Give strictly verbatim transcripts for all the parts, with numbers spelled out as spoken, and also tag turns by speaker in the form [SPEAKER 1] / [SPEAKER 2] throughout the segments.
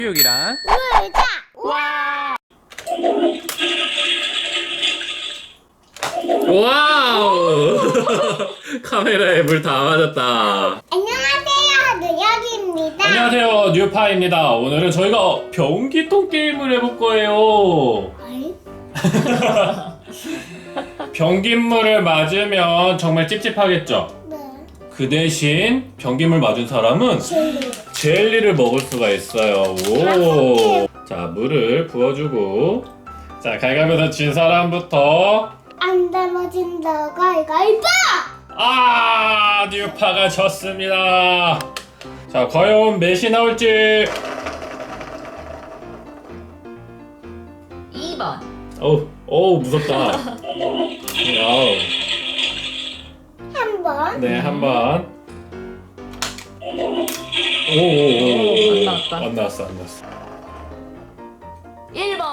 [SPEAKER 1] 교육이란
[SPEAKER 2] 의자.
[SPEAKER 1] 와 와우 카메라에 물 다 맞았다.
[SPEAKER 2] 안녕하세요, 누혁입니다.
[SPEAKER 1] 안녕하세요, 뉴파입니다. 오늘은 저희가 변기통 게임을 해볼 거예요.
[SPEAKER 2] 어이?
[SPEAKER 1] 변기물을 맞으면 정말 찝찝하겠죠?
[SPEAKER 2] 네.
[SPEAKER 1] 그 대신 변기물 맞은 사람은
[SPEAKER 2] 젤리.
[SPEAKER 1] 젤리를 먹을 수가 있어요. 오. 자, 물을 부어주고. 자, 가위바위보에서 진 사람부터.
[SPEAKER 2] 안 담아진다, 가위가위보!
[SPEAKER 1] 아, 뉴파가 졌습니다. 자, 과연 몇이 나올지.
[SPEAKER 3] 이 번.
[SPEAKER 1] 어우, 어우, 무섭다. 와우.
[SPEAKER 2] 한 번.
[SPEAKER 1] 네, 한 번. 오오오.
[SPEAKER 3] 안 나왔다.
[SPEAKER 1] 안 나왔어, 안 나왔어.
[SPEAKER 3] 일 번.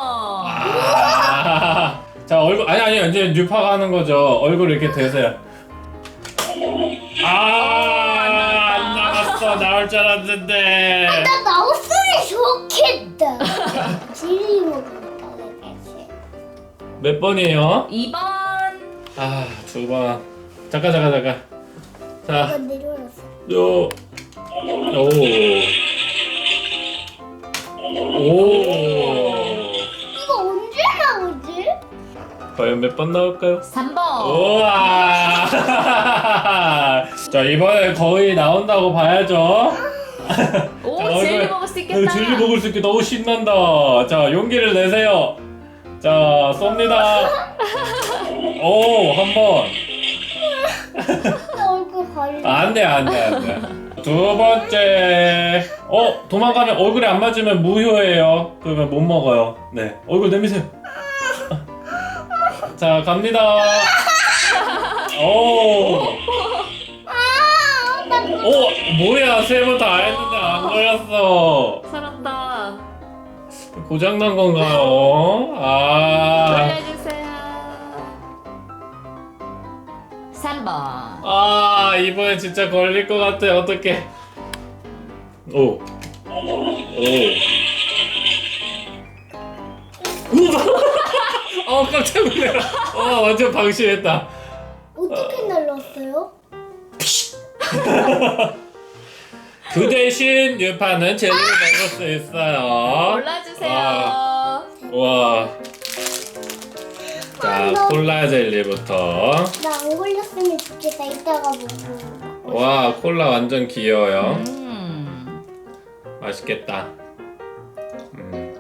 [SPEAKER 1] 아, 자, 얼굴, 아니, 아니, 이제 뉴파가 하는 거죠. 얼굴 이렇게 대세요. 아, 안 나왔어. 나올 줄 알았는데.
[SPEAKER 2] 나 나왔으면 좋겠다. 젤리 먹으니까 왜 대신.
[SPEAKER 1] 몇 번이에요?
[SPEAKER 3] 이 번.
[SPEAKER 1] 아, 두 번. 잠깐, 잠깐, 잠깐.
[SPEAKER 2] 이거
[SPEAKER 1] 자,
[SPEAKER 2] 내려놨어.
[SPEAKER 1] 요. 오. 오.
[SPEAKER 2] 이거 언제 나오지?
[SPEAKER 1] 과연 몇 번 나올까요?
[SPEAKER 3] 삼 번.
[SPEAKER 1] 우와. 자, 이번에 거의 나온다고 봐야죠.
[SPEAKER 3] 오,
[SPEAKER 1] 자,
[SPEAKER 3] 젤리
[SPEAKER 1] 얼굴-
[SPEAKER 3] 먹을 수 있겠다.
[SPEAKER 1] 젤리 먹을 수 있게 너무 신난다. 자, 용기를 내세요. 자, 쏩니다. 오, 한 번.
[SPEAKER 2] 나 얼굴 가리.
[SPEAKER 1] 안 돼, 안 돼, 안 돼. 두 번째. 어, 도망가면 얼굴에 안 맞으면 무효예요. 그러면 못 먹어요. 네, 얼굴 내미세요. 자, 갑니다. 오.
[SPEAKER 2] 아, 나
[SPEAKER 1] 오, 뭐야, 세 번 다 했는데 안 걸렸어.
[SPEAKER 3] 잘한다.
[SPEAKER 1] 고장난 건가요? 아.
[SPEAKER 3] 돌려주세요. 삼 번.
[SPEAKER 1] 아, 이번에 진짜 걸릴 것 같아. 어떡해. 오. 오. 우와. 어, 깜짝 놀래라. 어, 완전 방심했다.
[SPEAKER 2] 어떻게 날랐어요?
[SPEAKER 1] 그 대신 뉴파는 젤리를 먹을 수 있어요.
[SPEAKER 3] 골라주세요.
[SPEAKER 1] 와. 자,
[SPEAKER 2] 아,
[SPEAKER 1] 콜라 젤리부터.
[SPEAKER 2] 나 안 걸렸으면 좋겠다. 이따가 먹고.
[SPEAKER 1] 와, 콜라 완전 귀여워요.
[SPEAKER 3] 음.
[SPEAKER 1] 맛있겠다. 음.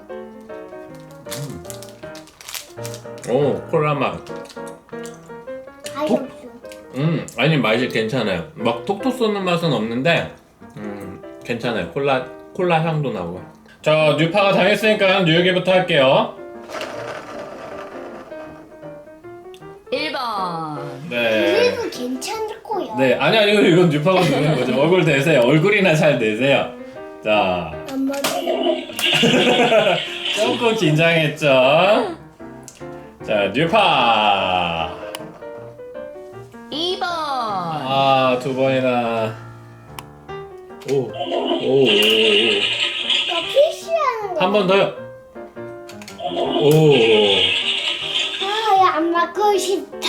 [SPEAKER 1] 음. 오, 콜라 맛.
[SPEAKER 2] 아이 없어.
[SPEAKER 1] 음, 아니 맛이 괜찮아요. 막 톡톡 쏘는 맛은 없는데, 음, 괜찮아요. 콜라 콜라 향도 나고. 자, 뉴파가 당했으니까 뉴욕이부터 할게요.
[SPEAKER 3] 일 번.
[SPEAKER 1] 네.
[SPEAKER 2] 그래도 괜찮을 거야.
[SPEAKER 1] 네, 아니 아니 이건 뉴파가 누르는 거죠. 얼굴 대세요. 얼굴이나 잘 대세요. 자,
[SPEAKER 2] 안 맞아.
[SPEAKER 1] 조금 긴장했죠. 자, 뉴파.
[SPEAKER 3] 이 번.
[SPEAKER 1] 아, 두 번이나. 오, 오, 오, 오.
[SPEAKER 2] 나 피시하는 거.
[SPEAKER 1] 한 번 더요. 오.
[SPEAKER 2] 아, 안 맞고 싶다.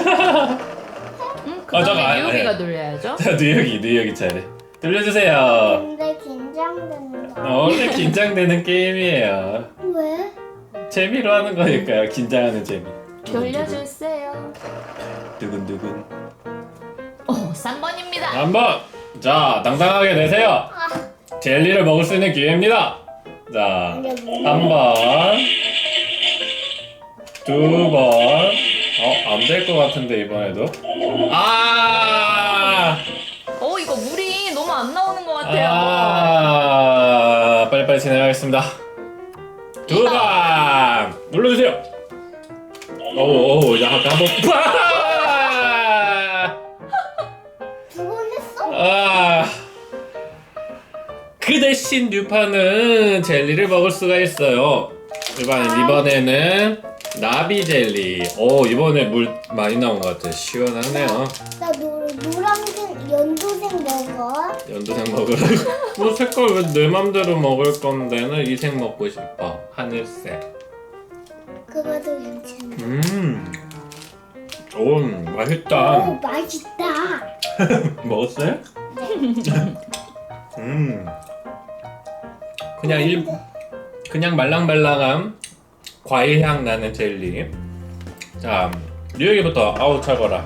[SPEAKER 3] 음,
[SPEAKER 1] 어, 잠깐,
[SPEAKER 3] 그다음에
[SPEAKER 1] 아니,
[SPEAKER 3] 뉴욕이가
[SPEAKER 1] 아니.
[SPEAKER 3] 돌려야죠.
[SPEAKER 1] 자, 뉴욕이 뉴욕이 차례. 들려주세요.
[SPEAKER 2] 근데 긴장된다.
[SPEAKER 1] 어, 원래 긴장되는 게임이에요.
[SPEAKER 2] 왜?
[SPEAKER 1] 재미로 하는 거니까요. 긴장하는 재미.
[SPEAKER 3] 돌려주세요.
[SPEAKER 1] 두근두근.
[SPEAKER 3] 오, 삼 번입니다.
[SPEAKER 1] 한 번. 자, 당당하게 내세요.
[SPEAKER 2] 아,
[SPEAKER 1] 젤리를 먹을 수 있는 기회입니다. 자, 한 번, 두 번. 어, 안 될 것 같은데 이번에도. 아,
[SPEAKER 3] 오, 이거 물이 너무 안 나오는 것 같아요.
[SPEAKER 1] 아, 빨리빨리 진행하겠습니다. 두 번 눌러주세요. 오오, 이제 아까 한번.
[SPEAKER 2] 두 번 했어?
[SPEAKER 1] 아, 그 대신 뉴파는 젤리를 먹을 수가 있어요. 이번에 이번에는 나비 젤리. 오, 이번에 물 많이 나온 것 같아. 시원하네요.
[SPEAKER 2] 나 노, 노란색 연두색 먹어. 연두색.
[SPEAKER 1] 연두색 먹으라고? 뭐 색깔 왜 내 맘대로 먹을 건데는 이 색 먹고 싶어. 하늘색.
[SPEAKER 2] 그거도 괜찮아.
[SPEAKER 1] 음. 오, 맛있다.
[SPEAKER 2] 오, 맛있다.
[SPEAKER 1] 먹었어요?
[SPEAKER 2] 네.
[SPEAKER 1] 음. 그냥 일 그냥 말랑말랑한 과일 향 나는 젤리. 자, 뉴욕이부터. 아우 차거라.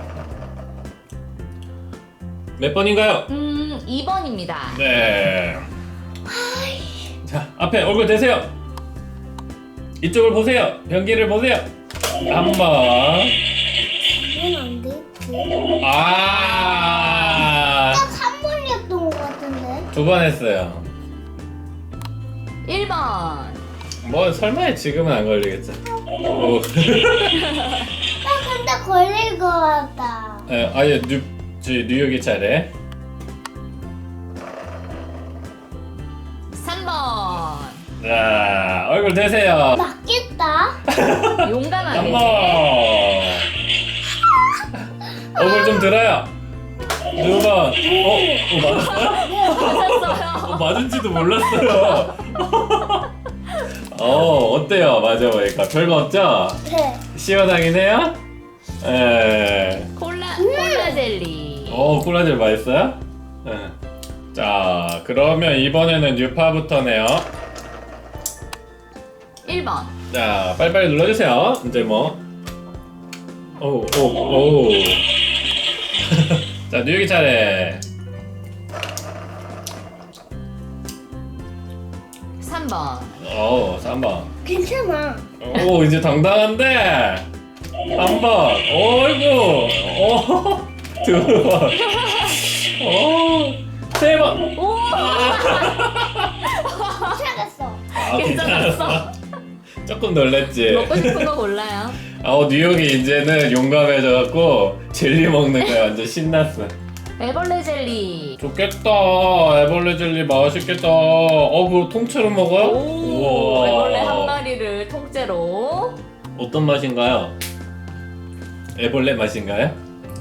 [SPEAKER 1] 몇 번인가요?
[SPEAKER 3] 음, 이 번입니다.
[SPEAKER 1] 네. 자, 앞에 얼굴 대세요. 이쪽을 보세요. 변기를 보세요. 한 번.
[SPEAKER 2] 이건 안 돼.
[SPEAKER 1] 아.
[SPEAKER 2] 딱한 번이었던 것 같은데.
[SPEAKER 1] 두 번 했어요.
[SPEAKER 3] 일 번.
[SPEAKER 1] 뭐 설마 지금은 안 걸리겠죠? 오.
[SPEAKER 2] 나 근데 걸릴 것 같다.
[SPEAKER 1] 에, 아예 뉴, 저, 뉴욕이 차례.
[SPEAKER 3] 삼 번.
[SPEAKER 1] 자, 얼굴 대세요.
[SPEAKER 2] 맞겠다.
[SPEAKER 1] 한
[SPEAKER 3] 용감하게.
[SPEAKER 1] 번. 얼굴 좀 들어요. 두 번. 어? 어 맞았어요?
[SPEAKER 3] 맞았어요.
[SPEAKER 1] 어, 맞은지도 몰랐어요. 어, 어때요? 맞아보니까 별거 없죠?
[SPEAKER 2] 네.
[SPEAKER 1] 시원하긴 해요? 에.
[SPEAKER 3] 콜라, 콜라 젤리.
[SPEAKER 1] 어, 콜라젤 맛있어요? 네. 자, 그러면 이번에는 뉴파부터네요.
[SPEAKER 3] 일 번.
[SPEAKER 1] 자, 빨리빨리 눌러주세요. 이제 뭐. 오, 오, 오. 자, 뉴욕이 차례.
[SPEAKER 3] 삼 번.
[SPEAKER 1] 오, 삼 번.
[SPEAKER 2] 괜찮아.
[SPEAKER 1] 오, 이제 당당한데. 한 번. 어이구. 오, 두 번. 오, 세 번.
[SPEAKER 3] 오!
[SPEAKER 2] 괜찮았어.
[SPEAKER 1] 아,
[SPEAKER 3] 괜찮았어.
[SPEAKER 1] 조금 놀랬지.
[SPEAKER 3] 먹고 싶은 거 골라요.
[SPEAKER 1] 아, 뉴욕이 이제는 용감해져갖고 젤리 먹는 거야. 완전 신났어.
[SPEAKER 3] 애벌레 젤리.
[SPEAKER 1] 좋겠다. 애벌레 젤리 맛있겠다. 어, 그거 통째로 먹어요?
[SPEAKER 3] 오, 애벌레 한 마리를 통째로.
[SPEAKER 1] 어떤 맛인가요? 애벌레 맛인가요?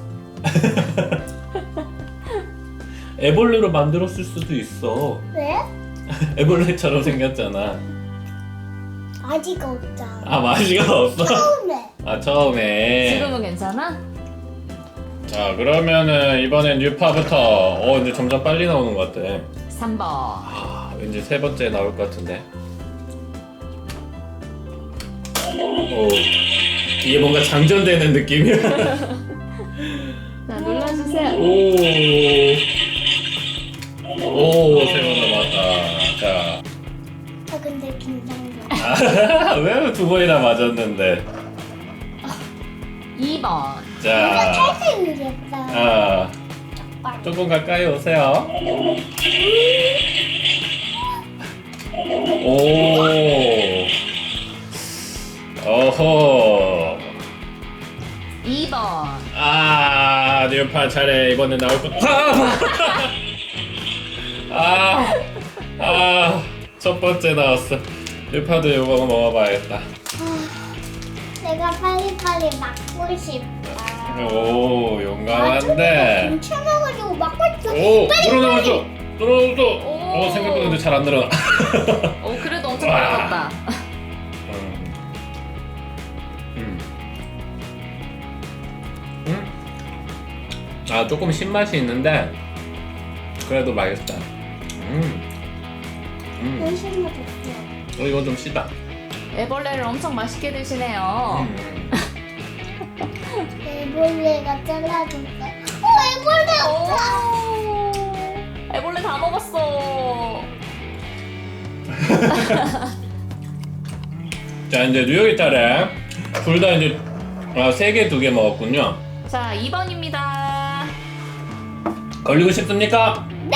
[SPEAKER 1] 애벌레로 만들었을 수도 있어.
[SPEAKER 2] 왜?
[SPEAKER 1] 애벌레처럼 생겼잖아.
[SPEAKER 2] 아직 없잖아.
[SPEAKER 1] 아, 맛이가 없어?
[SPEAKER 2] 처음에.
[SPEAKER 1] 아, 처음에.
[SPEAKER 3] 지금은 괜찮아?
[SPEAKER 1] 자, 그러면은 이번엔 뉴파부터. 어, 이제 점점 빨리 나오는 것 같아.
[SPEAKER 3] 삼 번.
[SPEAKER 1] 아, 왠지 세 번째 나올 것 같은데. 오, 이게 뭔가 장전되는 느낌이야.
[SPEAKER 3] 자, 눌러주세요.
[SPEAKER 1] 오, 오, 세 번 남았다. 자,
[SPEAKER 2] 아 근데 긴장돼.
[SPEAKER 1] 아, 왜 두 번이나 맞았는데?
[SPEAKER 3] 이 번.
[SPEAKER 2] 내가
[SPEAKER 1] 자,
[SPEAKER 2] 탈수 있겠다.
[SPEAKER 1] 아, 조금 가까이 오세요. 오, 어허.
[SPEAKER 3] 이 번.
[SPEAKER 1] 아, 뉴파 차례. 이번에 나올 것. 아, 아, 첫 번째 나왔어. 뉴파도 이거 먹어봐야겠다.
[SPEAKER 2] 내가 빨리빨리 막고 싶다.
[SPEAKER 1] 오,
[SPEAKER 2] 아,
[SPEAKER 1] 용감한데.
[SPEAKER 2] 괜찮아가지고 막고 있어.
[SPEAKER 1] 오,
[SPEAKER 2] 빨리,
[SPEAKER 1] 늘어나왔어. 늘어나왔어.
[SPEAKER 3] 오.
[SPEAKER 1] 어, 생각보다 근데 잘 안 늘어나.
[SPEAKER 3] 오, 그래도 엄청
[SPEAKER 1] 와.
[SPEAKER 3] 빨라졌다.
[SPEAKER 1] 음. 음. 음. 아, 조금 신맛이 있는데 그래도 맛있다. 음. 음.
[SPEAKER 2] 열심히 먹었어.
[SPEAKER 1] 어, 이건 좀 시다.
[SPEAKER 3] 애벌레를 엄청 맛있게 드시네요.
[SPEAKER 1] 음.
[SPEAKER 2] 애벌레가 잘라줬어. 어, 애벌레 없다.
[SPEAKER 3] 오, 애벌레 다 먹었어.
[SPEAKER 1] 자, 이제 뉴욕이 차례. 둘 다 이제 아, 세 개, 두 개 먹었군요.
[SPEAKER 3] 자, 이 번입니다.
[SPEAKER 1] 걸리고 싶습니까? 네!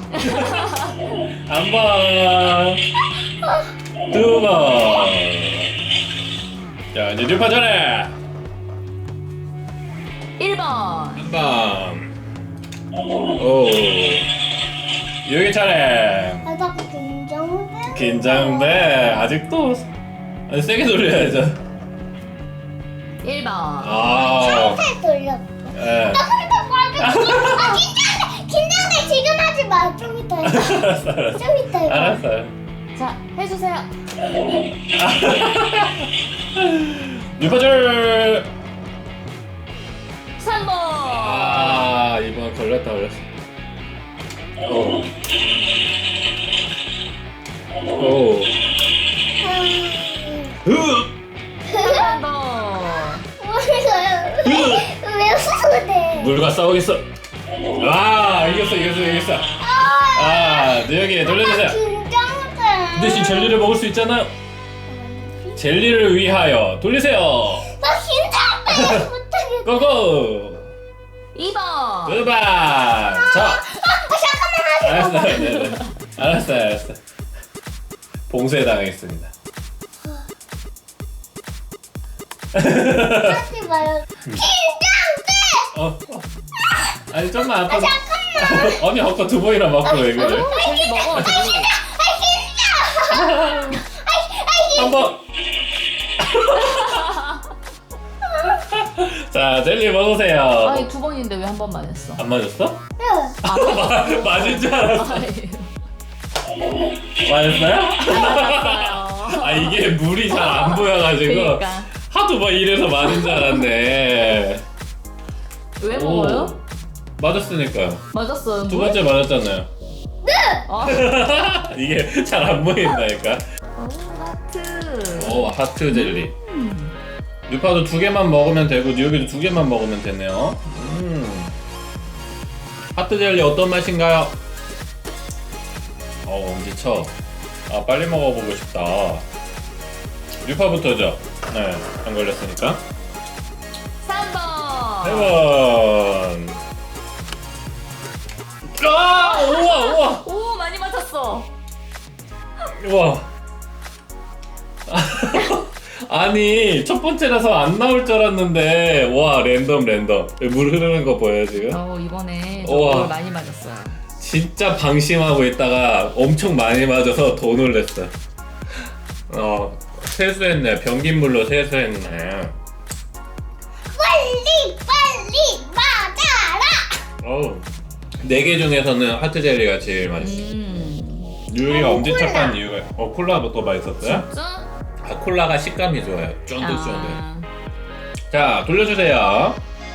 [SPEAKER 1] 한 번, 두 번. 자, 이제 뉴파 차례.
[SPEAKER 3] 일 번.
[SPEAKER 1] 한 번. 오. 뉴욕이 차례.
[SPEAKER 2] 아, 나 긴장돼.
[SPEAKER 1] 긴장돼. 아직도 아니, 세게 돌려야죠.
[SPEAKER 3] 일 번.
[SPEAKER 1] 아.
[SPEAKER 2] 살살 돌렸어.
[SPEAKER 1] 예.
[SPEAKER 2] 나 살짝 맞았어. 아, 긴장돼. 긴장돼. 지금 하지 마. 좀 이따 해.
[SPEAKER 1] 알았어 알았어
[SPEAKER 2] 좀 이따 해.
[SPEAKER 1] 알았어요.
[SPEAKER 3] 자, 해주세요.
[SPEAKER 1] 뉴파절.
[SPEAKER 3] 삼 번.
[SPEAKER 1] 아 이번 걸렸다 걸렸어. 오. 오.
[SPEAKER 3] 한 번 더.
[SPEAKER 2] 뭐예요? 왜 웃으래?
[SPEAKER 1] 물과 싸우겠어. 아 이겼어 이겼어 이겼어. 아 뉴욕이 돌려주세요.
[SPEAKER 2] 긴장돼.
[SPEAKER 1] 대신 젤리를 먹을 수 있잖아요. 젤리를 위하여 돌리세요.
[SPEAKER 2] 나 긴장돼. 못하겠어.
[SPEAKER 1] 고고.
[SPEAKER 3] 이 번.
[SPEAKER 1] 두번. 자.
[SPEAKER 2] 아, 잠깐만 하지
[SPEAKER 1] 알았어, 네, 네. 알았어, 알았어. 봉쇄 당했습니다.
[SPEAKER 2] 하지 마요. 긴장돼.
[SPEAKER 1] 어, 어. 아니 좀만 아파. 언니 아까 두 번이나 맞고 왜 그래?
[SPEAKER 3] 젤리 먹어. 젤리.
[SPEAKER 1] 한 번. 자, 젤리 먹으세요.
[SPEAKER 3] 아니 두 번인데 왜 한 번만 했어?
[SPEAKER 1] 안 맞았어?
[SPEAKER 2] 응.
[SPEAKER 1] 마- 맞을 줄 알았어.
[SPEAKER 3] 아니,
[SPEAKER 1] 맞았어요?
[SPEAKER 3] 맞았어요.
[SPEAKER 1] 아 이게 물이 잘 안 보여가지고
[SPEAKER 3] 그러니까.
[SPEAKER 1] 하도 막 이래서 맞은 줄 알았네.
[SPEAKER 3] 왜
[SPEAKER 1] 오.
[SPEAKER 3] 먹어요?
[SPEAKER 1] 맞았으니까요.
[SPEAKER 3] 맞았어요.
[SPEAKER 1] 두 번째 맞았잖아요.
[SPEAKER 3] 아,
[SPEAKER 1] 이게 잘 안 보인다니까.
[SPEAKER 3] 오, 하트.
[SPEAKER 1] 오 하트 젤리. 뉴파도 두 개만 먹으면 되고 뉴욕이도 두 개만 먹으면 되네요. 음. 하트 젤리 어떤 맛인가요? 어 엄지쳐. 아 빨리 먹어보고 싶다. 뉴파부터죠. 네, 안 걸렸으니까.
[SPEAKER 3] 삼 번.
[SPEAKER 1] 세 번. 아 우와 우와
[SPEAKER 3] 오, 많이 맞았어.
[SPEAKER 1] 우와. 아니 첫 번째라서 안 나올 줄 알았는데 와 랜덤 랜덤 물 흐르는 거 보여요 지금?
[SPEAKER 3] 어, 이번에
[SPEAKER 1] 우와.
[SPEAKER 3] 저걸 많이 맞았어요.
[SPEAKER 1] 진짜 방심하고 있다가 엄청 많이 맞아서 더 놀랬어. 어 세수했네. 변기물로 세수했네.
[SPEAKER 2] 빨리 빨리 맞아라.
[SPEAKER 1] 어우 네 개 중에서는 하트 젤리가 제일 맛있어.
[SPEAKER 3] 음.
[SPEAKER 1] 뉴욕이가
[SPEAKER 2] 어,
[SPEAKER 1] 엄지척한
[SPEAKER 2] 콜라.
[SPEAKER 1] 이유가 어 콜라도 또 맛있었어요?
[SPEAKER 3] 진짜?
[SPEAKER 1] 아 콜라가 식감이 좋아요. 쫀득쫀득.
[SPEAKER 3] 아,
[SPEAKER 1] 자 돌려주세요.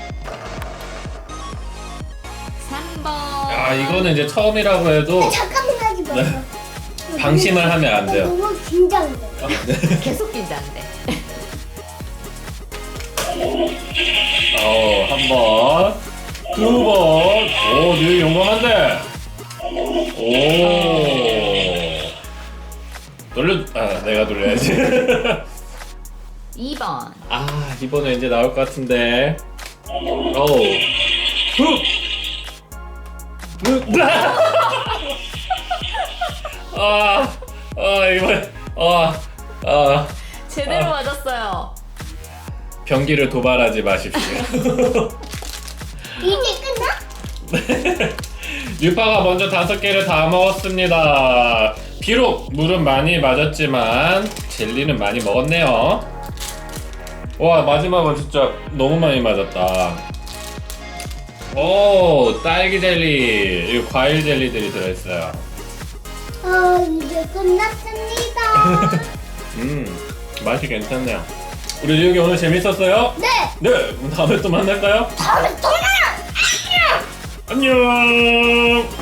[SPEAKER 3] 삼 번.
[SPEAKER 1] 아 이거는 이제 처음이라고 해도
[SPEAKER 2] 잠깐만 하지 마.
[SPEAKER 1] 네. 방심을 하면 안 돼요.
[SPEAKER 2] 너무 긴장돼.
[SPEAKER 3] 계속 긴장돼.
[SPEAKER 1] 어, 한 번, 두 번. 오, 뉴욕 용감한데. 오. 돌려, 아, 내가 돌려야지.
[SPEAKER 3] 이 번.
[SPEAKER 1] 아, 이번에 이제 나올 것 같은데. 오. 후. 후. 아, 아, 이번에, 아, 아.
[SPEAKER 3] 제대로
[SPEAKER 1] 아.
[SPEAKER 3] 맞았어요.
[SPEAKER 1] 변기를 도발하지 마십시오.
[SPEAKER 2] 이제 끝나?
[SPEAKER 1] 뉴파가 먼저 다섯 개를 다 먹었습니다. 비록 물은 많이 맞았지만 젤리는 많이 먹었네요. 와 마지막은 진짜 너무 많이 맞았다. 오 딸기 젤리, 이거 과일 젤리들이 들어있어요.
[SPEAKER 2] 어 이제 끝났습니다.
[SPEAKER 1] 음 맛이 괜찮네요. 우리 뉴욕이 오늘 재밌었어요?
[SPEAKER 2] 네.
[SPEAKER 1] 네 그럼 다음에 또 만날까요?
[SPEAKER 2] 다음에 또 만나.
[SPEAKER 1] 안녕.